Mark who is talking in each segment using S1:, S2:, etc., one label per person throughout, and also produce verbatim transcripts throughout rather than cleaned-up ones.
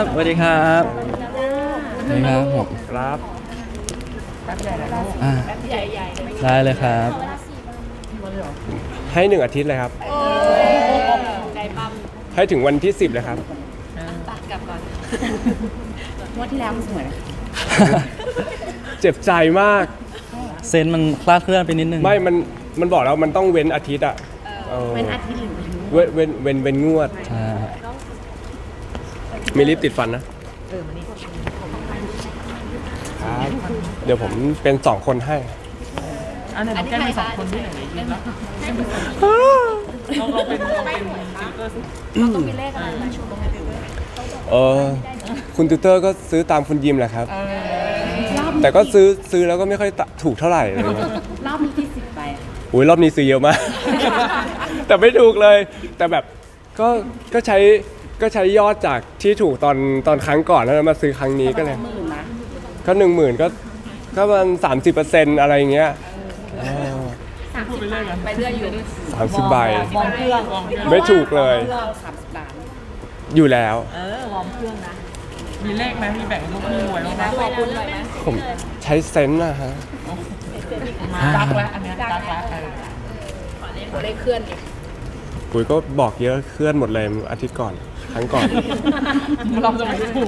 S1: สวัสดีครับสวัสดีครับผม
S2: ครับ
S1: อ่าได้เลยครับ
S2: ให้หนึ่งอาทิตย์เลยครับ
S3: ใจปั๊ม
S2: ให้ถึงวันที่สิบเลยครับ
S3: ตัดกลับก่อน
S4: งวดที่แล้วมันสวย
S2: เจ็บใจมาก
S1: เซนมันคลาดเคลื่อนไปนิดนึง
S2: ไม่มันมันบอกแล้วมันต้องเว้นอาทิตย์อ่ะเออ
S4: เป็นอาทิตย์หรือเป็น
S2: เว้นเว้นเว้นเว้นงวด
S1: ใช่
S2: มีลิปติดฟันนะ
S4: เออมันนี่
S2: ครับเดี๋ยวผมเป็นสองคนให้
S5: อันไหนเราแก้มีสองคนด้วยหนึ่งในทีมแล้วเราเราเป็นเราเป็นซิลเตอร์สิ
S3: ต้องมีเลขอะไรมาชูตรงนี้
S2: เออคุณติวเตอร์ก็ซื้อตามคุณยิมแหละครับ
S4: รอบ
S2: แต่ก็ซื้อซื้อแล้วก็ไม่ค่อยถูกเท่าไหร่อะไรเงี้ย
S4: รอบนี้ที่สิบไป
S2: อุ้ยรอบนี้ซื้อเยอะมาก แต่ไม่ถูกเลย แต่แบบก็ก็ใช้ก็ใช้ยอดจากที่ถูกตอนตอนครั้งก่อนแล้วมาซื้อครั้งนี้ก็เลย
S4: หมื่นนะ
S2: ก็หนึ่งหมื่นก็ก็ประมาณสามสิบเปอร์เซ็นต์อะไรอย่างเงี้ย
S5: พูดไปเรื่อยกัน
S3: ไปเรื่อยอยู่
S2: สามสิบใบ
S4: วอร์มเครื่อง
S2: ไม่ถูกเลย
S4: เครื่องสามสิบล้าน
S2: อยู่แล้ว
S4: เออวอร์มเครื่องนะ
S5: มีเลขไหมมีแบ่งลูกมีหวยบ้างไหม
S3: ขอบคุณหน่อยนะ
S2: ผมใช้เซนส์นะฮะ
S5: ดักแล้วอันเนี้ยดักแล้ว
S3: ตัวเลขเคลื่อนอีก
S2: ปุ๋ยก็บอกเยอะเคลื่อนหมดเลยอาทิตย์ก่อน ครั้งก่อน
S5: เราจะไม่ถูก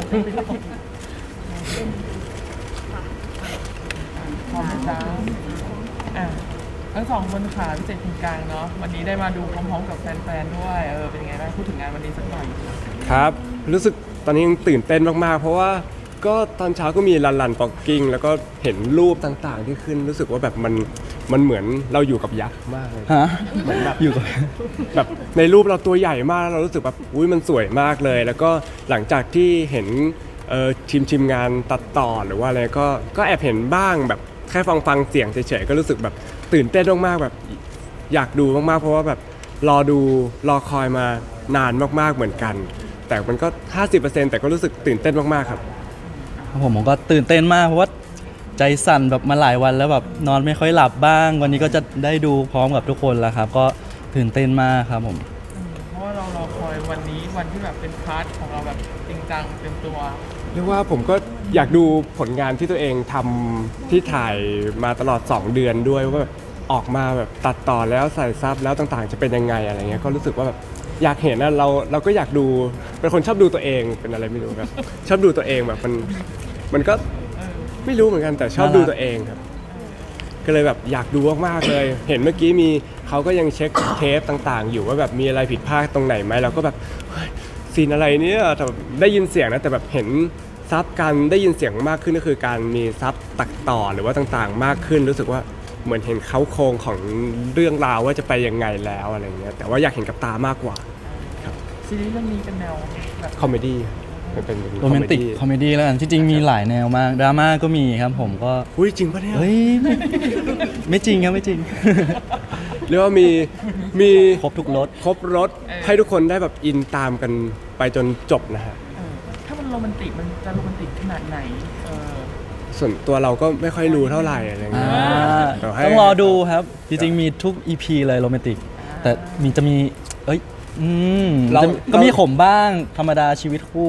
S5: พร้อมจ้าอ่ะทั้งสองคนขาพิเศษทีมกลางเนาะวันนี้ได้มาดูพร้อมๆกับแฟนๆด้วยเออเป็นยังไงบ้างพูดถึงงานวันนี้สักหน่อย
S2: ครับ รู้สึกตอนนี้ยังตื่นเต้นมากๆ เพราะว่าก็ตอนเช้าก็มีรันรันปอกกิ้งแล้วก็เห็นรูปต่างๆ ที่ขึ้นรู้สึกว่าแบบมันมันเหมือนเราอยู่กับยักษ์มากเลย
S1: ฮะ
S2: เหมือนแบบ
S1: อยู่กับ
S2: แบบในรูปเราตัวใหญ่มากแล้วเรารู้สึกแบบอุ้ยมันสวยมากเลย แล้วก็หลังจากที่เห็นเอ่อทีมทีมงานตัดต่อหรือว่าอะไรก็ก็แอบเห็นบ้างแบบแค่ฟังฟังเสียงเฉยๆก็รู้สึกแบบตื่นเต้นมากๆแบบอยากดูมากๆ เพราะว่าแบบรอดูรอคอยมานานมากๆเหมือนกัน แต่มันก็ ห้าสิบเปอร์เซ็นต์ แต่ก็รู้สึกตื่นเต้นมากๆครับ
S1: ผมผมก็ตื่นเต้นมากเพราะว่าใจสั่นแบบมาหลายวันแล้วแบบนอนไม่ค่อยหลับบ้าง วันนี้ก็จะได้ดูพร้อมกับทุกคนแล้วครับ ก็ตื่นเต้นมากครับผม
S5: เพราะว่าเรารอคอยวันนี้วันที่แบบเป็นพาร์ทของเราแบบจริงจังเต็มตัว
S2: เรียกว่าผมก็อยากดูผลงานที่ตัวเองทำที่ถ่ายมาตลอดสองเดือนด้วยว่าแบบออกมาแบบตัดต่อแล้วใส่ซับแล้วต่างๆ จะเป็นยังไงอะไรเงี้ยก็รู้สึกว่าแบบอยากเห็นนะเราเราก็อยากดูเป็นคนชอบดูตัวเองเป็นอะไรไม่รู้ครับ ชอบดูตัวเองแบบมันมันก็ไม่รู้เหมือนกันแต่ชอบดูตัวเองครับ ก็เลยแบบอยากดูมากๆเลย เห็นเมื่อกี้มีเขาก็ยังเช็คเทปต่างๆ อยู่ว่าแบบมีอะไรผิดพลาดตรงไหนไหมเราก็แบบเฮ้ยซีนอะไรเนี่ยแต่แบบได้ยินเสียงนะแต่แบบเห็นซับการได้ยินเสียงมากขึ้นก็คือการมีซับตัดต่อหรือว่าต่างๆ มากขึ้นรู้สึกว่าเหมือนเห็นเขาโครงของเรื่องราวว่าจะไปยังไงแล้วอะไรเงี้ยแต่ว่าอยากเห็นกับตามากกว่า
S5: ซีรีส์เรื่องนี้เป็นแนวแบบ
S2: คอมเมดี้มันเป็น
S1: โรแมนติกคอมเมดี้แล้วกันที่จริงมีหลายแนวมากดราม่าก็มีครับผมก็
S2: อุ้ยจริงปะเนี่ย
S1: เฮ้ยไม่ไม่จริงครับไม่จริง
S2: เรียกว่ามีมี
S1: ครบทุกรส
S2: ครบรถให้ทุกคนได้แบบอินตามกันไปจนจบนะฮะ
S5: เออถ้ามันโรแมนติกมันจะโรแมนติกขนาดไหนเออ
S2: ส่วนตัวเราก็ไม่ค่อยรู้เท่าไหร่อะไร
S1: อ่
S2: เงี้ย
S1: า
S2: เดี๋ยวให้
S1: ต้องรอดูครับ จริงๆมีทุก อี พี เลยโรแมนติก แต่มีจะมี เอ้ยอืม
S2: เรา
S1: จะก็มีขมบ้างธรรมดาชีวิตคู่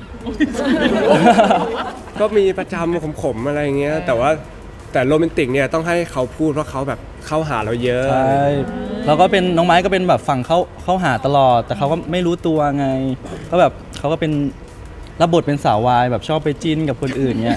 S2: ก็มีประจำขมๆอะไรเงี้ยแต่ว่าแต่โรแมนติกเนี่ยต้องให้เขาพูดเพราะเขาแบบเข้าหาเราเยอะ
S1: ใช่แล้วก็เป็นน้องไม้ก็เป็นแบบฝั่งเข้าเข้าหาตลอด แต่เขาก็ไม่รู้ตัวไง ก็แบบเขาก็เป็นรับบทเป็นสาววายแบบชอบไปจิ้นกับคนอื่นเงี้ย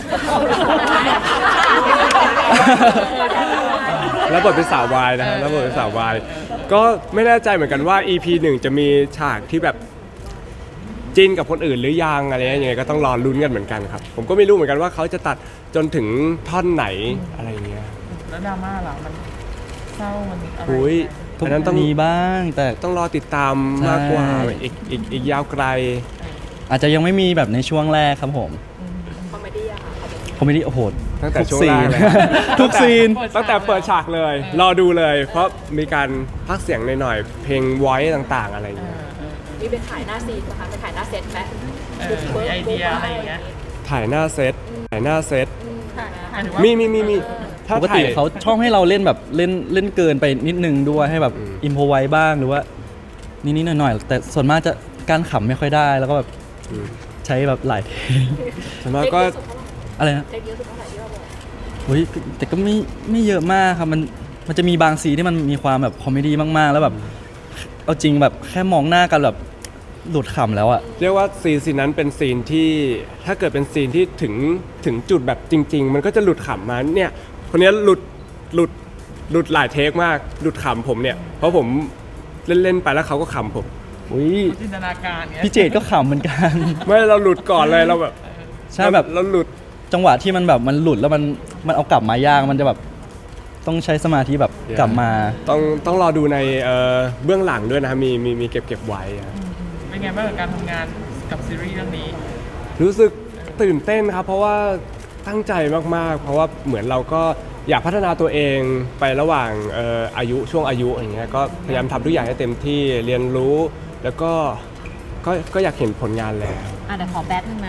S2: แล้วบทเป็นสาววายนะฮะแล้วบทเป็นสาววายก็ไม่แน่ใจเหมือนกันว่า อี พี หนึ่งจะมีฉากที่แบบจิ้นกับคนอื่นหรือยังอะไรยังไงก็ต้องรอลุ้นกันเหมือนกันครับ ผมก็ไม่รู้เหมือนกันว่าเขาจะตัดจนถึงท่อนไหนอะไรเงี้ย
S5: แล้วดราม่าล่ะมันเศร้ามันอะไร
S2: หุย
S1: ทุก
S2: อันนั้นต้อง
S1: มีบ้างแต่
S2: ต้องรอติดตามมากกว่า
S1: ใช่
S2: อีกอีกอีกยาวไกล
S1: อาจจะยังไม่มีแบบในช่วงแรกครับผม
S3: คอมเมดี้อะค่ะ
S1: คอมเมดี้โอ้โห
S2: ตั้งแต่
S1: ทุก
S2: ช่วง
S1: ซี
S2: แรก
S1: น
S2: เลย
S1: ทุกซีน
S2: ตั้งแต่เปิดฉากเลย รอดูเลย เพราะมีการพักเสียงหน่อยๆเพลงไว้ต่างๆ อะไรอย่างเงี้ย
S3: มีเป็นถ่ายหน้าซีนนะคะเป็นถ่ายหน้าเซตไหม
S5: เออมีไอเดียอะไรอย่างเงี้ย
S2: ถ่ายหน้าเซตถ่ายหน้าเซต
S5: หมายถึงว่า
S2: มีมีมีมีถ้า
S1: ปกติ
S2: ถ่าย
S1: เขาชอบให้เราเล่นแบบเล่นเล่นเกินไปนิดนึงด้วยให้แบบ
S2: อืม
S1: อิมโพไว้บ้างหรือว่านิดๆหน่อยๆแต่ส่วนมากจะการขำไม่ค่อยได้แล้วก็แบบ
S2: อืม
S1: ใช้แบบหลายเทค
S2: ส่วนมากก็
S1: อะไรนะ
S3: เทคเยอะสุดเท่าไหร่ที่เราบอก
S1: อุ้ยแต่ก็ไม่ไม่เยอะมากครับมันมันจะมีบางซีนที่มันมีความแบบคอมเมดี้มากๆ แล้วแบบเอาจริงแบบแค่มองหน้ากันแบบหลุดขำแล้วอะ
S2: เรียกว่าซีนซีนนั้นเป็นซีนที่ถ้าเกิดเป็นซีนที่ถึงถึงจุดแบบจริง ๆ มันก็จะหลุดขำมาเนี่ยคนนี้หลุดหลุดหลุดหลายเทคมากหลุดขำผมเนี่ยเพราะผมเล่นๆไปแล้วเขาก็ขำผม
S1: อุ้ย
S5: จินตนาการเงี้ย
S1: พี่เจดก็ขำเหมือนกัน
S2: ไม่เราหลุดก่อนเลยเราแบบ
S1: ใช่แบบ
S2: เราหลุด
S1: จังหวะที่มันแบบมันหลุดแล้วมันมันเอากลับมายากมันจะแบบต้องใช้สมาธิแบบกลับมา
S2: ต้องต้องรอดูในเอ่อเบื้องหลังด้วยนะครับมีมีมีเก็บเก็บไว้อะ
S5: เป็นไงบ้างกับการทำงานกับซีรีส์เรื่องนี้
S2: รู้สึกตื่นเต้นครับ เพราะว่าตั้งใจมากๆ เพราะว่าเหมือนเราก็อยากพัฒนาตัวเองไประหว่างเอ่ออายุช่วงอายุอย่างเงี้ยก็พยายามทำทุกอย่างให้เต็มที่เรียนรู้แล้วก็ก็ก็อยากเห็นผลงานแล้ว
S4: อ่ะเดี๋ยวขอแป๊บนึงนะ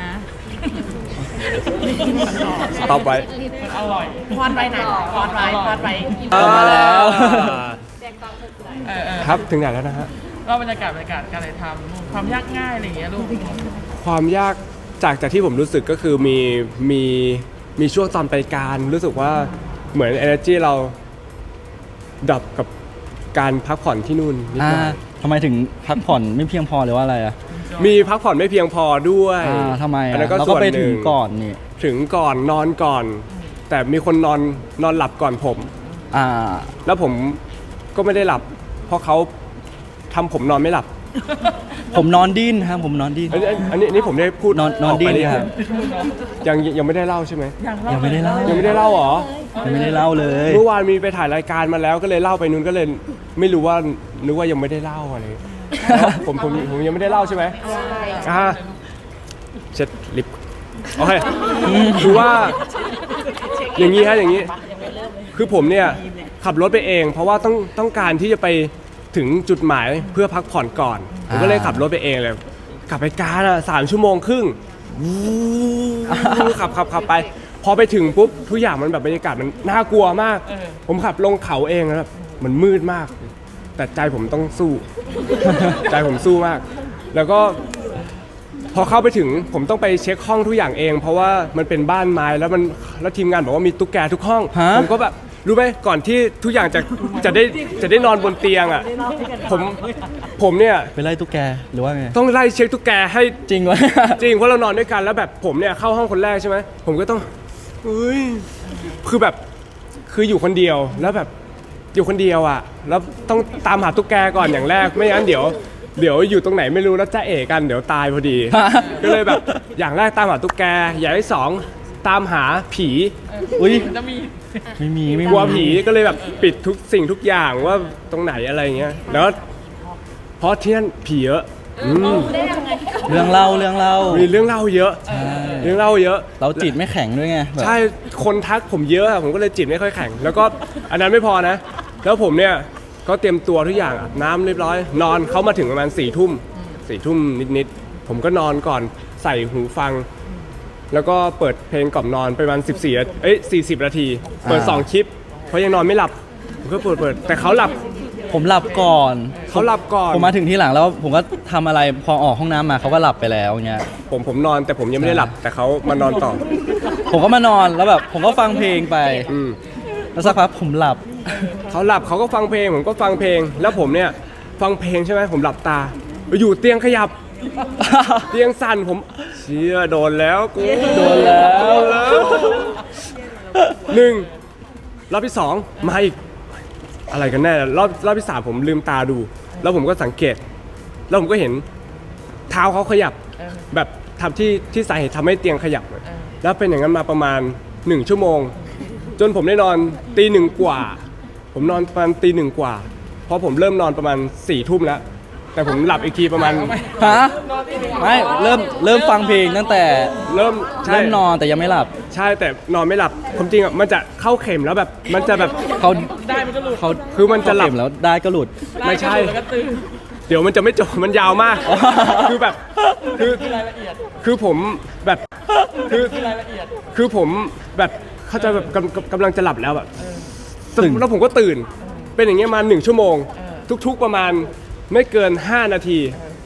S2: ตอบไว้
S5: มันอร่อย
S4: พอดไว้นะพอดไว้พอดไว้
S1: เอามาแล้ว
S3: แจ้งความถูกใจ
S5: เออเออ
S2: ครับถึงไหนแล้วนะฮะ
S5: เล่าบรรยากาศบรรยากาศการถ่ายทำลูกความยากง่ายอะไรอย่างเงี้ยลูก
S2: ความยากจากจากที่ผมรู้สึกก็คือมีมีมีช่วงตอนไปการรู้สึกว่าเหมือน energy เราดับกับการพักผ่อนที่นู่นนิด
S1: อ่า
S2: หน่อย
S1: ทำไมถึงพักผ่อนไม่เพียงพอหรือว่าอะไรอะ
S2: มีพักผ่อนไม่เพียงพอด้วย
S1: อ่าทำไม
S2: อัน
S1: อะ
S2: นั้นก็
S1: เรา
S2: ส่
S1: ก็
S2: วน
S1: ไป
S2: ห
S1: ถึ
S2: นึ่
S1: ง
S2: ง
S1: ก่อนนี่
S2: ถึงก่อนนอนก่อน แต่มีคนนอนนอนหลับก่อนผม
S1: อ่า
S2: แล้วผมก็ไม่ได้หลับ เพราะเขาทำผมนอนไม่หลับ
S1: ผมนอนดิ้นครับผมนอนดิ้น
S2: อันนี้อันนี้อันนี้ผมได้พูด
S1: นอนนอน
S2: กไป
S1: ดิ้น
S2: หรือ
S1: ครับ
S2: ยังยังไม่ได้เล่าใช่ไหม
S1: ยังไม่ได้เล่า
S2: ยังไม่ได้เล่าเหรอ
S1: ยังไม่ได้เล่าเลย
S2: เมื่อวานมีไปถ่ายรายการมาแล้วก็เลยเล่าไปนู้นก็เลยไม่รู้ว่านึกว่ายังไม่ได้เล่าอะไรแล้วผมผมผมยังไม่ได้เล่าใช่ไหมอ่าเช็ดลิปโอเคคือว่าอย่างนี้ฮะอย่างนี้ คือผมเนี่ยขับรถไปเอง เพราะว่าต้องต้องการที่จะไปถึงจุดหมายเพื่อพักผ่อนก่อนผมก็เลยขับรถไปเองเลยกลับไปการอ่ะสามชั่วโมงครึ่งวู้ขับขับขับไป พอไปถึงปุ๊บทุกอย่างมันแบบบรรยากาศมันน่ากลัวมาก
S5: เออ
S2: ผมขับลงเขาเองแล้วแบบมันมืดมาก แต่ใจผมต้องสู้ ใจผมสู้มาก แล้วก็พอเข้าไปถึงผมต้องไปเช็คห้องทุกอย่างเอง เพราะว่ามันเป็นบ้านไม้แล้วมันแล้วทีมงานบอกว่ามีตุ๊กแกทุกห้อง
S1: ฮะ
S2: ผมก็แบบรู้ไหมก่อนที่ทุกอย่างจะจะได้จะได้นอนบนเตียงอ่ะผมผมเนี่ย
S1: ไปไล่ตุ๊กแกหรือว่าไง
S2: ต้องไล่เช็คตุ๊กแกให้
S1: จริงวะ
S2: จริงเพราะเรานอนด้วยกันแล้วแบบผมเนี่ยเข้าห้องคนแรกใช่ไหมผมก็ต้องเฮ้ยคือแบบคืออยู่คนเดียวแล้วแบบอยู่คนเดียวอ่ะแล้วต้องตามหาตุ๊กแกก่อนอย่างแรกไม่งั้นเดี๋ยวเดี๋ยวอยู่ตรงไหนไม่รู้แล้วจะเอะกันเดี๋ยวตายพอดี ก็เลยแบบอย่างแรกตามหาตุ๊กแกอย่างที่สองตามหาผี
S1: อุ้ย
S5: จะมี
S1: ไม่มีไม่มี
S2: กลัวผีก็เลยแบบปิดทุกสิ่งทุกอย่างว่าตรงไหนอะไรเงี้ยแล้วเพราะที่นั่นผีเยอะอืม
S1: เรื่องเล่าเรื่องเล่า
S2: มีเรื่องเล่าเยอะ
S1: ใช่
S2: เรื่องเล่าเยอะ
S1: เราจิตไม่แข็งด้วยไงแบบ
S2: ใช่ คนทักผมเยอะอะผมก็เลยจิตไม่ค่อยแข็ง แล้วก็อันนั้นไม่พอนะ แล้วผมเนี่ยก็เตรียมตัวทุกอย่างอาบน้ำเรียบร้อย นอนเขามาถึงประมาณสี่ทุ่มสี่ทุ่มนิดๆ ผมก็นอนก่อนใส่หูฟัง แล้วก็เปิดเพลงกล่อมนอนไปประมาณสิบสี่เอ้ยสี่สิบนาที เปิดสองคลิป เพราะยังนอนไม่หลับ ผมก็เปิดเปิด แต่เขาหลับ
S1: ผมหลับก่อน
S2: เขาหลับก่อน
S1: ผมมาถึงที่หลังแล้วผมก็ทำอะไรพอออกห้องน้ำมาเขาก็หลับไปแล้วเงี้ย
S2: ผมผมนอนแต่ผมยังไม่ได้หลับ แต่เขามานอนต่อ
S1: ผมก็มานอนแล้วแบบผมก็ฟังเพลงไป
S2: อืม
S1: แล้วสักพักผมหลับ
S2: เขาหลับเขาก็ฟังเพลงผมก็ฟังเพลง แล้วผมเนี่ยฟังเพลงใช่ไหมผมหลับตา อยู่เตียงขยับ เตียงสั่นผมเชี่ยโดนแล้วกู
S1: โดนแล้ว
S2: โดนแล้วหนึ่งรอบที่สองมาอีกอะไรกันแน่รอบรอบที่สามผมลืมตาดู แล้วผมก็สังเกต แล้วผมก็เห็นเท้าเขาขยับ แบบทำที่ที่สาเหตุทำให้เตียงขยับ แล้วเป็นอย่างนั้นมาประมาณหนึ่งชั่วโมง จนผมได้นอนตีหนึ่งกว่า ผมนอนประมาณตีหนึ่งกว่า เพราะผมเริ่มนอนประมาณสี่ทุ่มแล้ว แต่ผมหลับอีกทีประมาณ
S1: ฮะไม่เริ่มเริ่มฟังเพลงตั้งแต่
S2: เริ่มใช่
S1: เริ่มนอนแต่ยังไม่หลับ
S2: ใช่แต่นอนไม่หลับความจริงอ่ะมันจะเข้าเข็มแล้วแบบมันจะแบบ
S1: เขา
S5: ได้มันก็หลุด
S1: เขา
S2: คือมันจะหลับ
S1: เขาเข็แล้วได้ก็หลุด
S2: ไม่ใช่
S5: แล้วก็ตื่น
S2: เดี๋ยวมันจะไม่จบมันยาวมาก
S1: อ๋อ
S2: คือแบบคือ
S5: รายละเอียด
S2: คือผมแบบคือ
S5: รายละเอียด
S2: คือผมแบบเข้าใจแบบกำกำกำลังจะหลับแล้วแบบ
S1: ตื่น
S2: แล้วผมก็ตื่น เป็นอย่างเงี้ยมาหนึ่งชั่วโมง ทุกๆประมาณไม่เกินห้านาที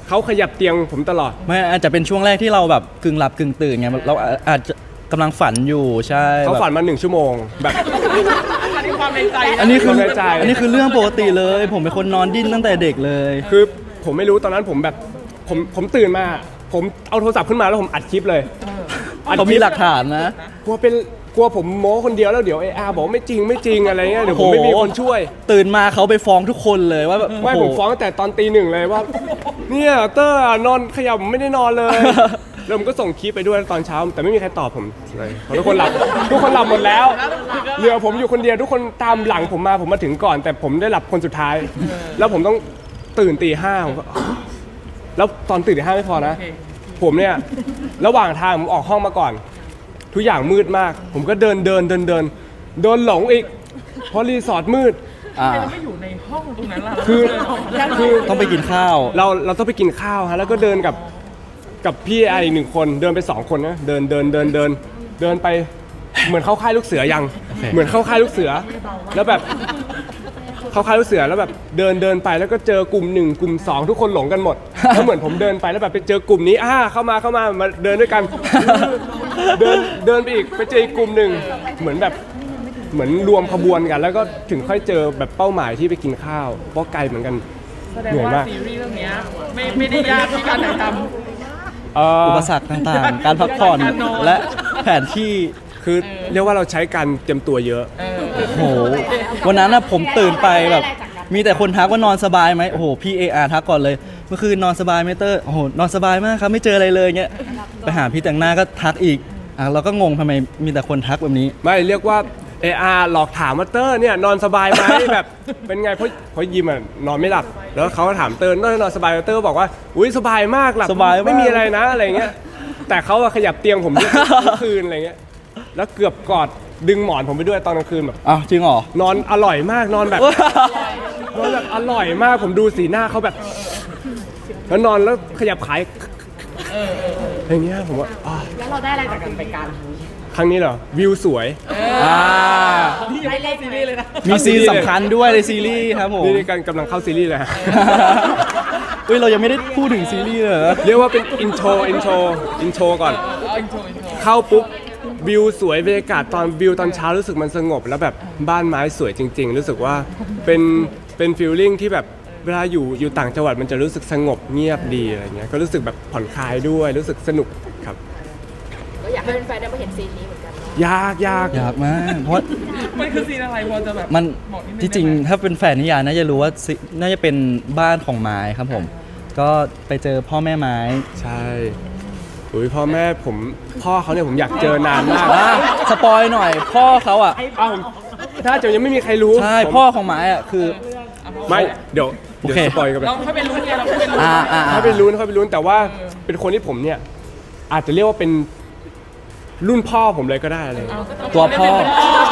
S2: เขาขยับเตียงผมตลอด
S1: ไม่อาจจะเป็นช่วงแรกที่เราแบบกึ่งหลับกึ่งตื่นไงเราอาจจะกำลังฝันอยู่ใช่
S2: เขาฝัน
S1: แบบ
S2: มาหนึ่งชั่วโมงแบบ
S5: อันนี้ความในใจ
S1: อันนี้คือ
S2: ความในใจ
S1: อันนี้คือเรื่องปกติเลย ผมเป็นคนนอนดิ้นตั้งแต่เด็กเลย
S2: คือผมไม่รู้ตอนนั้นผมแบบผมผมตื่นมา ผมเอาโทรศัพท์ขึ้นมาแล้วผมอัดคลิปเลยอัด
S1: เขา
S2: คลิ
S1: มี
S2: ป
S1: หลักฐานนะ
S2: กลัวเป็นกลัวผมโม้คนเดียวแล้วเดี๋ยวเออาบอกไม่จริงไม่จริงอะไรเงี้ยเดี๋ยวผมไม่มีคนช่วย
S1: ตื่นมาเขาไปฟ้องทุกคนเลยว่าแบบ
S2: ไม่
S1: โโห
S2: ผมฟ้องตั้งแต่ตอนตีหนึ่งเลยว่า เนี่ยเตอร์นอนขยับไม่ได้นอนเลย แล้วผมก็ส่งคลิปไปด้วยตอนเช้า แต่ไม่มีใครตอบผมเลยเพราะทุกคนหลับทุกคนหลับหมดแล้วเหลือผมอยู่คนเดียวทุกคนตามหลังผมมาผมมาถึงก่อน แต่ผมได้หลับคนสุดท้าย แล้วผมต้องตื่นตีห้าผมก็แล้วตอนตื่นตีห้าไม่พอนะ ผมเนี่ยระหว่างทางผมออกห้องมาก่อน ทุกอย่างมืดมาก ผมก็เดินเดินเดินเดินโดนหลงอีกเพราะรีสอร์ทมืด
S1: อ่า
S5: เราไม่อยู่ในห้องตรงนั้นล่ะ
S2: คือคือ
S1: ต้องไปกินข้าว
S2: เราเราต้องไปกินข้าวฮะแล้วก็เดินกับกับพี่ไออีกหนึ่งคนเดินไปสองคนนะเดินเดินเดินเดินเดินไปเหมือนเข้าค่ายลูกเสือยัง
S1: โอเค
S2: เหมือนเข้าค่ายลูกเสือ แล้วแบบเข้าค่ายลูกเสือแล้วแบบเดินเดินไปแล้วก็เจอกลุ่มหนึ่งกลุ่มสองทุกคนหลงกันหมดแล้วเหมือนผมเดินไปแล้วแบบไปเจอกลุ่มนี้อ่าเข้ามาเข้ามามาเดินด้วยกัน เดินเดินไปอีกไปเจออีกกลุ่มหนึ่งเหมือนแบบเหมือนรวมขบวนกัน แล้วก็ถึงค่อยเจอแบบเป้าหมายที่ไปกินข้าวเพราะไกลเหมือนกัน
S5: แสดงว่าซีรีส์เรื่องเนี้ยไม่ไม่ได้ยากที่การถ่ายทำ
S2: เอ่อ
S1: อุปสรรคต่างๆ การพักผ่อน
S5: การนอน
S1: และแผนที่
S2: คือเรียกว่าเราใช้การเตรียมตัวเยอะ
S5: เออ
S1: โอ้โหวันนั้นนะผมตื่นไปแบบ มีแต่คนทักว่านอนสบายไหมโอ้โหพี่เออาร์ทักก่อนเลยเมื่อคืนนอนสบายไหมเตอร์โอ้โหนอนสบายมากครับไม่เจออะไรเลยเงี้ยไปหาพี่แต่งหน้าก็ทักอีกอ่ะเราก็งงทำไมมีแต่คนทักแบบนี้
S2: ไม่เรียกว่าเออาหลอกถามว่าเตอร์เนี่ยนอนสบายไหม แบบเป็นไงเพราะเพราะยิมอ่ะนอนไม่หลับ แล้วเขาก็ถามเตอร์นอนนอนสบายไหมเตอร์บอกว่าอุ้ยสบายมากหลับ
S1: สบายมาก
S2: ไม่มีอะไรนะอะไรเงี้ยแต่เขาอะขยับเตียงผมทุกทุกคืนอะไรเงี้ยแล้วเกือบกอดดึงหมอนผมไปด้วยตอนกลางคืนแบบ
S1: อ้าวจริงเหรอ
S2: นอนอร่อยมากนอนแบบนอนแบบอร่อยมากผมดูสีหน้าเขาแบบแล้วนอนแล้วขยับขายอย่างเงี้ยผมว่าอ่ะ
S3: แล้วเราได้อะไรจากการไปการ
S2: ครั้งนี้เหรอวิวสวย
S1: อ่า
S5: ที่ยังไม่เข้าซีรีส์เลยนะ
S1: มีซีนสำคัญด้วยในซีรีส์ครับผม
S2: นี่กันกำลังเข้าซีรีส์เลยฮะ
S1: อุ้ยเรายังไม่ได้พูดถึงซีรีส์เลยเหรอ
S2: เรียกว่าเป็นอินโทรอินโทรอินโทรก่อน
S5: เอาอินโทรอินโทร
S2: เข้าปุ๊บวิวสวยบรรยากาศตอนวิวตอนเช้ารู้สึกมันสงบ แล้วแบบบ้านไม้สวยจริง ๆ รู้สึกว่าเป็นเป็นฟีลลิ่งที่แบบเวลาอยู่อยู่ต่างจังหวัดมันจะรู้สึกสงบเงียบดีอะไรเงี้ยก็รู้สึกแบบผ่อนคลายด้วยรู้สึกสนุกครับ
S3: ก็อยากให้แฟนๆได้มาเห็นซีนนี้เหมือนกันเนาะ
S2: ยากยาก
S1: อยากมากเพราะ
S5: มันคือซีนอะไรพอจะแบบ
S1: มัน
S5: บอกนิดนึง
S1: ที่จริง
S5: ได้ไหม
S1: ถ้าเป็นแฟนนิยายน่าจะรู้ว่าซิน่าจะเป็นบ้านของไม้ครับผม ก็ไปเจอพ่อแม่ไม้
S2: ใช่อุ้ยพ่อแม่ผมพ่อเขาเนี่ยผมอยากเจอนานมาก
S1: อ่ะสปอยหน่อย พ่อเขาอ่ะ
S2: อ้าวผมถ้าจะยังไม่มีใครรู้
S1: ใช่
S2: ผม
S1: พ่อของไม้อ่ะคือ
S2: ไม่เดี๋ยว
S1: โอ
S2: เดี๋ยว
S1: เค
S2: สปอยกันไป
S5: เราค่อยไปรู้ไงเราค่อยไปรู้
S1: อ่าอ่า
S2: ถ้าไปลุ้นเขาไปลุ้นแต่ว่าเป็นคนที่ผมเนี่ยอาจจะเรียกว่าเป็นรุ่นพ่อผมเลยก็ได้อะไรอย่างเงี้ย
S1: ตัวพ่อ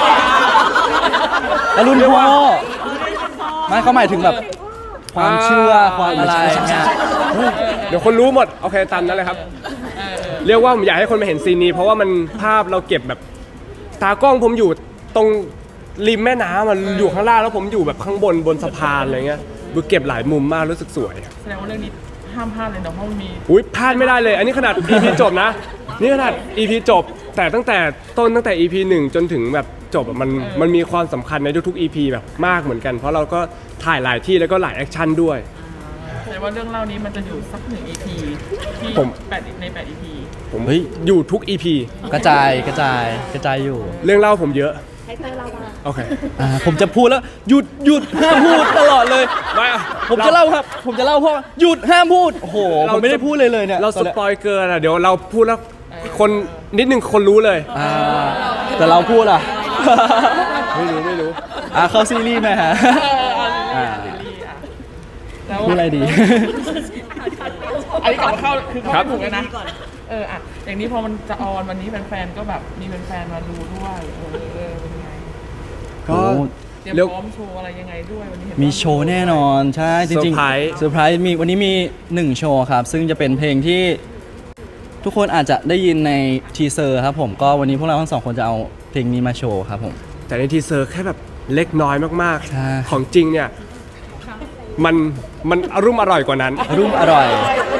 S1: แล้วรุ่นพ่อไม่เขาหมายถึงแบบความเชื่อความอะไรเนี่ย
S2: เดี๋ยวคนรู้หมดโอเคตามนั้นเลยครับ เรียกว่าผมอยากให้คนมาเห็นซีนนี้ เพราะว่ามันภาพเราเก็บแบบตากล้องผมอยู่ตรงริมแม่น้ำมันอยู่ข้างล่างแล้วผมอยู่แบบข้างบนบนสะพานอะไรเงี้ยดูเก็บหลายมุมมากรู้สึกสวย
S5: แสดงว่าเรื่องนี้ห้ามพลาดเลยเนาะเพราะมันมี
S2: อุ้ยพลาดไม่ได้เลย อันนี้ขนาด อี พี จบนะ นี่ขนาด อี พี จบ แต่ตั้งแต่ต้นตั้งแต่ อี พี หนึ่งจนถึงแบบจบอะมันมันมีความสำคัญในทุกๆ อี พี แบบมากเหมือนกัน เพราะเราก็ถ่ายหลายที่แล้วก็หลายแอคชั่นด้วย
S5: แสดงว่าเรื่องเล่านี้มันจะอยู่สักหนึ่ง อี พี ที่
S2: ผม
S5: แปดในแปด อี พี
S2: ผม
S1: เฮ้ย
S2: อยู่ทุก อี พี
S1: กระจายกระจายกระจายอยู่
S2: เรื่องเล่าผมเยอะ
S3: ให้เตอร์เรามา
S2: โอเค
S1: อ่าผมจะพูดแล้วหยุดหยุดห้ามพูดตลอดเลย
S2: ไม่อะ
S1: ผมจะเล่าครับ ผมจะเล่าเพราะว่าหยุดห้ามพูดโอ้โหผมไม่ได้พูดเลยเลยเนี่ย
S2: เรา
S1: ต
S2: ส
S1: อนนี้ย
S2: ปอยเกินอะเดี๋ยวเราพูดแล้วคนนิดนึงคนรู้เลย
S1: อ่าแต่เราพูดอ่ะ
S2: ไม่รู้ไม่รู้
S1: อ่าเข้าซีรีส์ไหมฮะ
S5: อ่า
S1: อ่า
S5: ซีรีส์อ่ะแล้ว
S1: พูดอะไรดี
S5: อันนี้กลับมาเข้าคือเข้า
S2: ครับ
S5: ไม่ถูกแล้วนะเอออ่ะอย่างนี้พอมันจะออนวันนี้แฟนๆก็แบบมีแฟนๆมาดูด้วยเออเออเป็นไง
S2: ก็
S5: เตรียม
S2: เรียก
S5: พร้อมโชว์อะไรยังไงด้วยวันนี้เห็น
S1: มี
S5: ว่า
S1: โชว์แน่นอนใช่จริง
S2: เซอร์ไพรส์
S1: ๆเซอร์ไพรส์มีวันนี้มีหนึ่งโชว์ครับ ซึ่งจะเป็นเพลงที่ทุกคนอาจจะได้ยินในทีเซอร์ครับผมก็วันนี้พวกเราทั้งสองคนจะเอาเพลงนี้มาโชว์ครับผม
S2: แต่ในทีเซอร์แค่แบบเล็กน้อยมาก
S1: ใช่
S2: ๆ ของจริงเนี่ยมันมันอรุ่มอร่อยกว่านั้น
S1: รุ่มอร่อย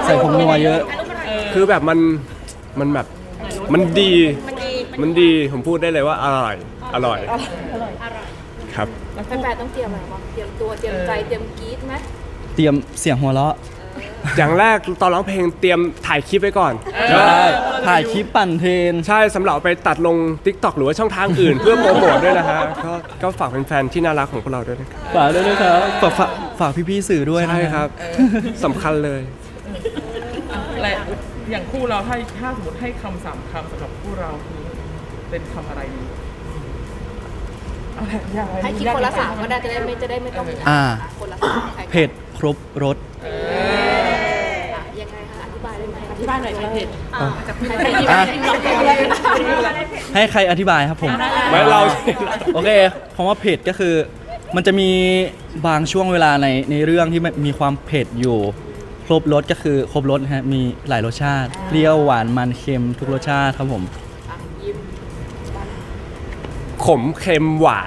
S1: ใส่ผงนัวเยอะ
S2: คือแบบมันมันแบบมันดีมันดีผมพูดได้เลยว่าอร่อยอร่อยครับ
S3: แฟนๆต้องเตรียมอะไรบ้างเตรียมตัวเตรียมใจเตรียมกรี๊ดไหม
S1: เตรียมเสียงหัวเราะ
S2: อย่างแรกตอนร้องเพลงเตรียมถ่ายคลิปไว้ก่อน
S1: ใช่ถ่ายคลิปปั่นเทรน
S2: ใช่สำหรับเอาไปตัดลง TikTok หรือว่าช่องทางอื่น เพื่อโปรโมทด้วยนะฮะก็ก็ฝากแฟนๆที่น่ารักของพวกเราด้วยนะครับ
S1: ฝากด้วยนะครับฝากฝากฝากพี่ๆสื่อด้วยนะ
S2: ใช่ครับสำคัญเลย
S5: และอย่างคู่เราถ้าถ้าสมมติให้คำสามคำสำหรับคู่เราคือเป็นคำอะไรดีเอาแหละยากไหม
S3: ให้คิดคนละสามก็ได้จะได้ไม่จะได้ไม่ต้อง
S1: อ่า
S3: คนละสามใครก่อน
S1: เผ็ดครบรส
S3: อ่ะยังไงคะอธิบายได้ไหม
S4: ที่บ้านหน่อยเผ็ด
S3: อ่ะใคร
S1: อ่ะ
S3: ใคร
S1: ให้ใครอธิบายครับผม
S2: ไม่เรา
S1: โอเคคำว่าเผ็ดก็คือ มันจะมีบางช่วงเวลาในในเรื่องที่มันมีความเผ็ดอยู่ ครบรสก็คือครบรสนะฮะมีหลายรสชาติเปรี้ยวหวานมันเค็มทุกรสชาติครับผม
S3: อ่ะยิ้ม
S2: ขมเค็มหวาน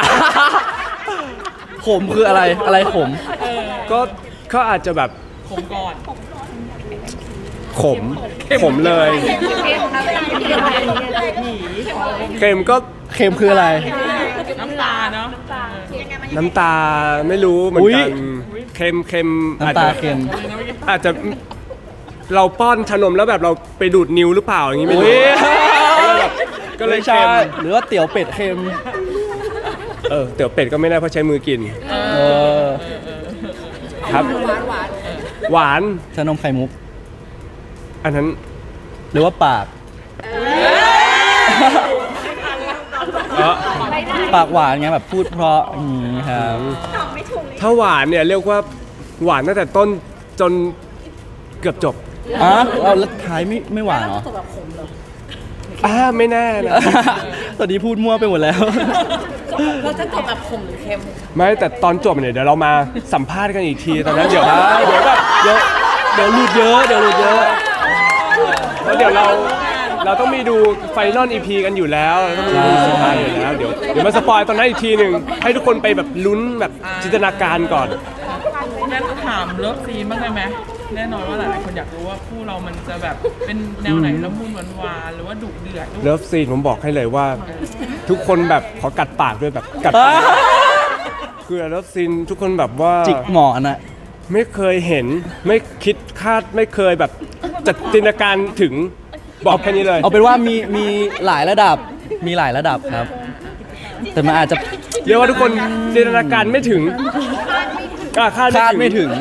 S1: ขมคืออะไรอะไรขม
S2: ก็ก็อาจจะแบบ
S5: ผมก่อน
S2: ขมขมเลยเค็มก็
S1: เค็มคืออะไร
S5: น้ำตาเนาะ
S2: น้ำตาไม่รู้เหมือน
S1: อุ๊ย
S2: กันเค็มเค็มอาจ
S1: น้ำตา
S2: จะ
S1: เค็ม
S2: อาจจะเราป้อนชานมแล้วแบบเราไปดูดนิ้วหรือเปล่าอย่างนี้ไม่
S1: อุ๊
S2: รู้
S1: ย
S2: ก็เลย
S1: ไม่ใช่
S2: เค็ม
S1: หรือว่าเตี๋ยวเป็ดเค็ม
S2: เออเตี๋ยวเป็ดก็ไม่ได้เพราะใช้มือกิน
S1: เออ
S2: ครับ
S3: หวานหวาน
S2: หวาน
S1: ชานมไข่มุก
S2: อันนั้น
S1: หรือว่าปาก
S2: เออ
S1: ปากหวานไงแบบพูดเพราะอย่างนี้ครับ
S2: ถ้าหวานเนี่ยเรียกว่าหวานตั้งแต่ต้นจนเกือบจบ
S1: อ๋อเอาแล้วท้ายไม่ไม่หวานเหรอ
S2: อ่าไม่แน่นะ
S1: ตอนนี้พูดมั่วไปหมดแล้ว
S4: เราจะจบแบบขมหรือเค็ม
S2: ไม่แต่ตอนจบเนี่ยเดี๋ยวเรามาสัมภาษณ์กันอีกทีตอนนั้นเดี๋ยวเดี๋ยวแบบ
S1: เดี๋ยวเดี๋ยวหลุดเยอะเดี๋ยวหลุดเยอะ
S2: แล้วเดี๋ยวเราเราต้องมีดูไฟนอลอีพีกันอยู่แล้วเราต้องมีดูสุดท้ายอยู่แล้วเดี๋ยวเดี๋ยวมาสปอยตอนนั้นอีกทีหนึ่งให้ทุกคนไปแบบลุ้นแบบจินตนาการก่อน
S5: งั้นถามเลิฟซีนบ้างได้ไหมแน่นอนว่าหลายๆคนอยากรู้ว่าคู่เรามันจะแบบเป็นแนวไหนละมุนหวานๆหรือว่าดุเดือด
S2: เลิฟซีนผมบอกให้เลยว่า ทุกคนแบบขอกัดปากด้วยแบบกัดปากคือเลิฟซีนทุกคนแบบว่า
S1: จิกหมอนอะ
S2: ไม่เคยเห็นไม่คิดคาดไม่เคยแบบจัดจินตนาการถึงบอกแค่นี้เลย
S1: เอาเป็นว่ามีมีหลายระดับมีหลายระดับครับ แต่มันอาจจะ
S2: เรียกว่าทุกคนจินตนาการไม่ถึงอ่ะคาด
S1: คาดไม่ถึง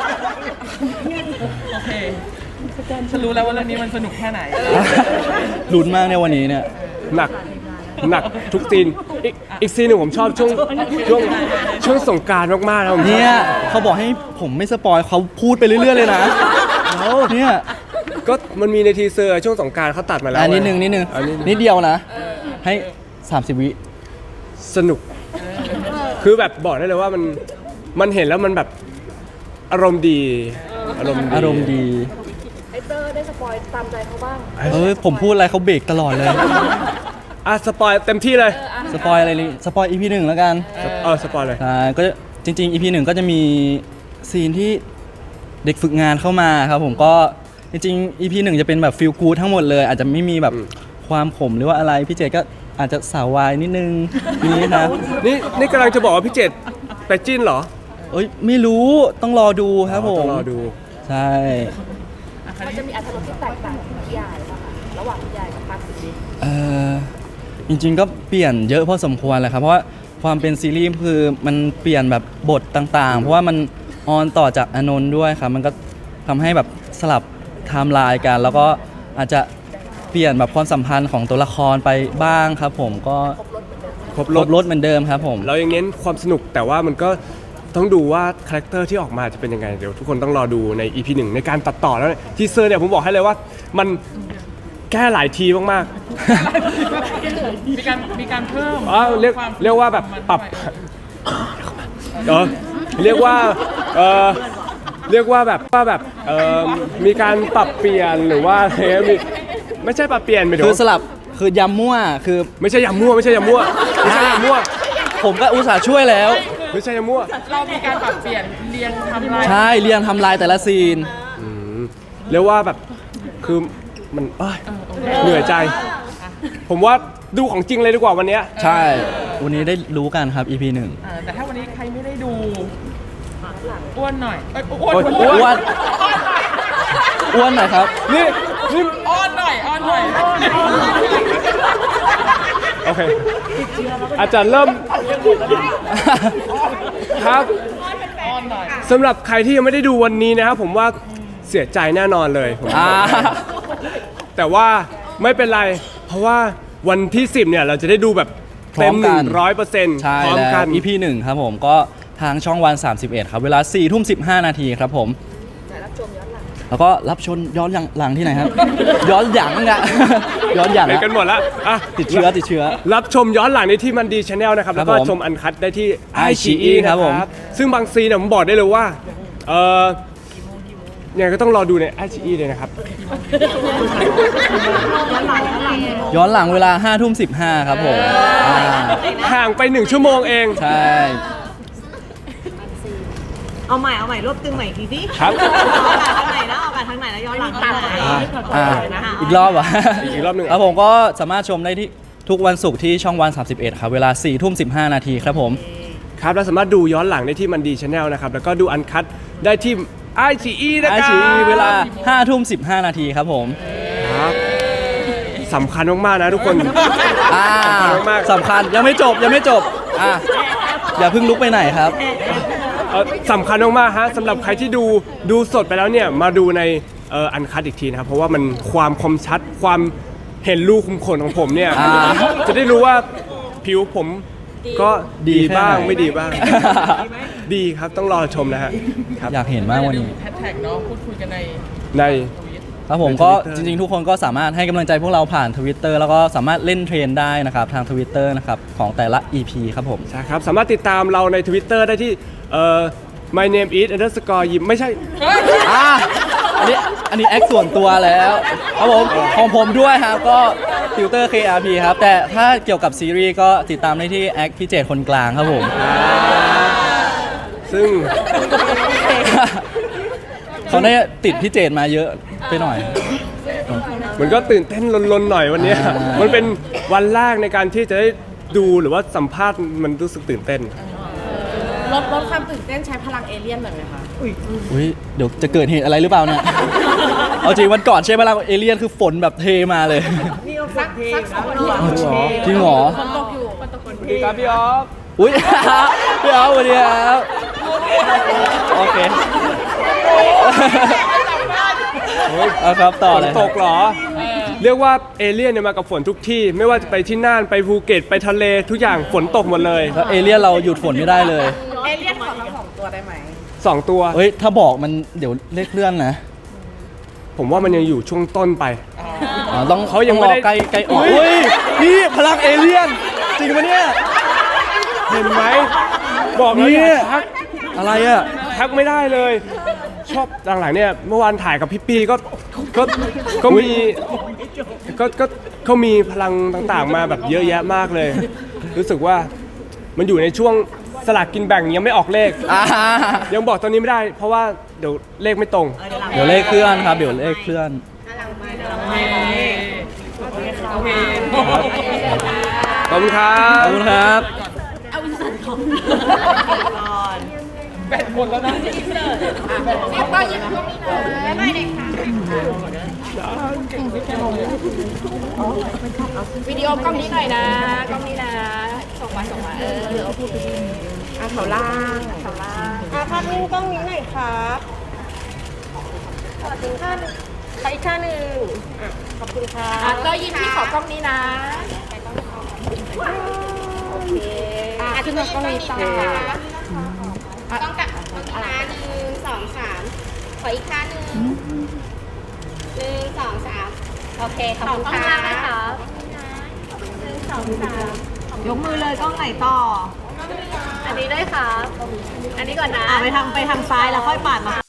S5: โอเคฉันรู้แล้วว่าเรื่องนี้มันสนุกแค่ไหน
S1: ลุ้นมากในวันนี้เนี่ย
S2: หนักหนักทุกซีนอีกอีกซีนหนึ่งผมชอบช่วงช่วงช่วงสงกรารมากๆนะผมชอบ
S1: เนี่ยเขาบอกให้ผมไม่สปอยเขาพูดไปเรื่อยๆเลยนะเนี่ย
S2: ก็มันมีในทีเซอร์ช่วงสงกรารเขาตัดมาแล้ว
S1: อันนิดนึงนิดนึง
S2: อันนี้
S1: นิดเดียวนะ ให้สามสิบวิ
S2: สนุก คือแบบบอกได้เลยว่ามันมันเห็นแล้วมันแบบอารมณ์ดีอารมณ์ดี
S1: อารมณ์ดี
S3: ไอเตอร์ได้สปอยตามใจเขาบ้าง
S1: เอ้ยผมพูดอะไรเขาเบรกตลอดเลย
S2: อ่ะสปอยเต็มที่เลย
S1: สปอยอะไรนี่สปอยอีพีหนึ่งแล้วกัน
S2: เออสปอยเลย
S1: ใช่ก็จริงๆอีพีหนึ่งก็จะมีซีนที่เด็กฝึกงานเข้ามาครับผมก็จริงๆอีพีหนึ่งจะเป็นแบบฟิลกู๊ดทั้งหมดเลย อาจจะไม่มีแบบ
S2: อืม
S1: ความขมหรือว่าอะไรพี่เจก็อาจจะสาววายนิดนึงนี่นะ
S2: นี่นี่กำลังจะบอกว่าพี่เจตไปจิ้นเหรอ
S1: เอ้ยไม่รู้ต้องรอดูครับผม
S2: ต้องรอดู
S1: ใช่
S3: มันจะมีอรรถรสที่แตกต่างจากนิยายป่ะคะระหว่างนิยายกับภาพซีรีส์
S1: เออจริงๆก็เปลี่ยนเยอะพอสมควรเลยครับเพราะว่าความเป็นซีรีส์คือมันเปลี่ยนแบบบทต่างๆ เพราะว่ามันออนต่อจากอนนท์ด้วยครับมันก็ทำให้แบบสลับไทม์ไลน์กัน แล้วก็อาจจะเปลี่ยนแบบความสัมพันธ์ของตัวละครไปบ้างครับผมก็
S2: ครบ
S1: ล
S2: ร
S1: บ
S2: ถ
S1: ลดเหมือนเดิมครับผม
S2: เรายังเน้นความสนุกแต่ว่ามันก็ต้องดูว่าคาแรคเตอร์ที่ออกมาจะเป็นยังไง เดี๋ยวทุกคนต้องรอดูใน อี พี หนึ่งในการตัดต่อแล้วทีเซอร์เนี่ยผมบอกให้เลยว่ามันแก้หลายทีมาก
S5: มีการมีการเพิ่ม
S2: ๆอ๋อเรียก
S5: ควม
S2: เรียกว่าแบบปรับ
S5: ด้วย
S2: เออเรียกว่าเออเรียกว่าแบบว่าแบบเออมีการปรับเปลี่ยนหรือว่าอะไรเงี้ยมีไม่ใช่ปรับเปลี่ยนไป
S1: คือสลับคือยำมั่วคือ
S2: ไม่ใช่ยำมั่วไม่ใช่ยำมั่วไม่ใช่ยำมั่ว
S1: ผมก็อุตส่าห์ช่วยแล้ว
S2: ไม่ใช่ยำมั่ว
S5: เรามีการปรับเปลี่ยนเรียงไทำลาย
S1: ใช่เรียงทำลายแต่ละซีน
S2: อืมเรียกว่าแบบคือมันเอ้ยเหนื่อยใจ ผมว่าดูของจริงเลยดีกว่าวันเนี้ย
S1: ใช่ วันนี้ได้รู้กันครับ อี พี หนึ่ง
S5: อ่าแต่ถ้าวันนี้ใครไม่ได้ดูอ้วนหน่อยเอ้ยอ้วน
S2: โอ๊ย
S1: อ้วนอ้วนหน่อยครับ
S2: นี่นี่
S5: อ้อนหน่อยอ้อนหน่อย
S2: โอเคอาจารย์เริ่มครับ
S5: อ้อนหน่อย
S2: สำหรับใครที่ยังไม่ได้ดูวันนี้นะครับผมว่าเสียใจแน่นอนเลยผม
S1: อ่า
S2: แต่ว่าไม่เป็นไร เพราะว่าวันที่สิบเนี่ยเราจะได้ดูแบบเต็ม
S1: พร้อม
S2: ห
S1: กั
S2: นึ่
S1: น
S2: งร้อยเปอร์เซ็นต์
S1: ใช่
S2: พร้อม
S1: แล้
S2: กั
S1: วน อี พี หนึ่งครับผมก็ทางช่องวัน สามสิบเอ็ด ครับ เวลา สี่ทุ่มสิบห้า นาทีครับผม แล้วก็รับชมย้อนหลังที่ไหนครับ ย้อนหยังอะ ย้อนหยัง
S2: เป็น
S1: อะ
S2: กันหมดแล้วอ่ะ
S1: ติดเชื้อติดเชื้อ
S2: รับชมย้อนหลังได้ที่มันดีชาแนลนะครับ
S1: ครั
S2: แล้
S1: บ
S2: วก็
S1: ผม
S2: ชมอันคัดได้ที่ ไอ
S1: ไอ
S2: ชี
S1: ชี
S2: อี
S1: อี
S2: นะ
S1: ค
S2: ค
S1: รั
S2: รั
S1: บบ ผม
S2: ซึ่งบางซีนเนี่ยผมบอกได้เลยว่าเออเนี่ยก็ต้องรอดูใน ไอ ชี อี เลยนะครับ
S1: ย้อนหลังเวลา ห้าทุ่มสิบห้า ครับผมอ่า
S2: ห่างไปหนึ่งชั่วโมงเอง
S1: ใช่
S6: เอาใหม่เอาใหม่รวบตึงใหม่อีกทีสิ
S2: ครับ
S6: เอาอากาศทางไหนนะเอาอากาศทางไหนนะย้อนหลังทางไหน
S1: อ่าอ่าอีกรอบอ่ะ
S2: อีกรอบหนึ่ง
S1: ครับผมก็สามารถชมได้ที่ทุกวันศุกร์ที่ช่องวัน สามสิบเอ็ด ครับ เวลา สี่ทุ่มสิบห้า นาทีครับผม
S2: ครับเราสามารถดูย้อนหลังได้ที่มันดีชาแนลนะครับแล้วก็ดูอันคัดได้ที่ ไอ ชี อี นะ
S1: ไอ
S2: ครั
S1: ชี
S2: บ
S1: เวลา ห้าทุ่มสิบห้า นาทีครับผม
S2: ครับสำคัญมากๆนะทุกคน
S1: อ่า
S2: สำคัญมากๆ
S1: สำคัญยังไม่จบยังไม่จบอ่าอย่าเพิ่งลุกไปไหนครับ
S2: เอ่อสำคัญมากๆฮะสำหรับใครที่ดูดูสดไปแล้วเนี่ยมาดูในเอ่ออันคัดอีกทีนะครับเพราะว่ามันความคมชัดความเห็นรูขุมขนของผมเนี่ย
S1: อ่า
S2: จะได้รู้ว่าผิวผมก็
S1: ดี
S2: ดี
S1: แค่
S2: บ้าง
S1: ไหน
S2: ไม่ดีบ้าง ดีครับต้องรอชมนะฮะครับ
S1: อยากเห็นมากวันนี้
S5: แฮชแท็กเนาะพูดคุยกันใน
S2: ใน
S1: ครับผม
S2: ใน
S1: ก็
S2: Twitter
S1: จริงๆ ทุกคนก็สามารถให้กำลังใจพวกเราผ่าน Twitter แล้วก็สามารถเล่นเทรนได้นะครับ ทาง Twitter นะครับ ของแต่ละ อี พี ครับผม
S2: ใช่ครับสามารถติดตามเราใน Twitter ได้ที่เอ่อ my name is underscore ยิมไม่ใช่
S1: อ่าอันนี้อันนี้แอคส่วนตัวแล้วครับผมของผมด้วยครับก็ฟิลเตอร์ เค อาร์ พี ครับ แต่ถ้าเกี่ยวกับซีรีส์ก็ติดตามได้ที่แอคพี่เจตคนกลางครับผม
S2: ซึ่ง
S1: เขาได้ติดพี่เจตมาเยอะไปหน่อย
S2: มันก็ตื่นเต้นลนๆหน่อยวันเนี้ย
S1: อ่ามั
S2: มันเป็นวันแรกในการที่จะได้ดูหรือว่าสัมภาษณ์มันรู้สึกตื่นเต้น
S4: ลดลดความตื่นเต้นใช้พลังเอเลี่ยนหน่อยไหมคะ
S1: อุ้ยเดี๋ยวจะเกิดเหตุอะไรหรือเปล่าเนี่ย เอาจริงวันก่อนใช่ไหมล่ะเอเลี่ยนคือฝนแบบเทมาเลย
S6: นี่เอาสักเพลงนะ
S1: จริงเหรอ
S4: ฝนตกอยู่ฝนตกคน
S2: ครับพี่ออฟ
S1: อุ้ย พี่เอาสวัสดีครับโอเคเอาครับต่อ
S2: ฝน
S1: เลย
S2: ตกเหรอ เรียกว่าเอเลี่ยนเนี่ยมากับฝนทุกที่ ไม่ว่าจะไปที่น่านไปภูเก็ตไปทะเลทุกอย่างฝนตกหมดเลย
S1: แล้วเอเลี่ยนเราหยุดฝนไม่ได้เลย
S4: เอเลี่ยนขอทั้งสองตัวได้ไหม
S2: สองตัว
S1: เฮ้ยถ้าบอกมันเดี๋ยวเลขเลื่อนนะ
S2: ผมว่ามันยังอยู่ช่วงต้นไป
S1: อ๋อต้อง
S2: เขายังไม่ได้
S1: ต้องรอใกล้ใกล้ออก
S2: อุ๊
S1: อุ้
S2: ย
S1: ยนี่พลังเอเลี่ยน จริงปะเนี่ย
S2: เห็นไหมบอกแล้ว
S1: เนี่
S2: อย ย่าทัก
S1: อะไรอ่ะ
S2: ทักไม่ได้เลย ชอบหลังๆเนี่ยเมื่อวานถ่ายกับพี่ปีก็ก็ก็มีก็ก็เขามีพลังต่างๆมาแบบเยอะแยะมากเลย รู้สึกว่ามันอยู่ในช่วงสลากกินแบ่งยังไม่ออกเลข
S1: อ่า
S2: ยังบอกตอนนี้ไม่ได้ เพราะว่าเดี๋ยวเลขไม่ตรง
S1: เดี๋ยวเลขเคลื่อนครับ เดี๋ยวเลขเคลื่อน
S5: โอเค
S2: ขอบคุณครั
S1: ขอบบ คุณครับ
S5: แปดคนแล้วนะ
S3: ก็ยิบก็มีนะไม่ได้ค่ะวิดีโอกล้องนี้หน่อยนะกล้องนี้นะส่งมาส่งมาเออเอาพูดไปดิอ่ะแถวล่างแถวล่าง
S6: อ่ะภาพนิ่งกล้องนี้หน่อยครับขอถึงท่านไปอีกท่านหนึ่งอ่ะขอบคุณค่ะ
S3: อ่ะก็ยิบที่ขอกล้องนี้นะโอเคอ่ะขึ้นมากล้องนี้ต่อต้องกะต้องกะหนึ่งสองสามขออีกท่าหนึ่งหนึ่งสองสามโอเคขอบคุณค่ะ
S6: ยกมือเลยกล้องไหนต่อ
S3: อันนี้ด้วยค่ะ อันนี้ก่อนนะ
S6: อ่ะไปทางไปทางซ้ายแล้วค่อยปาดมา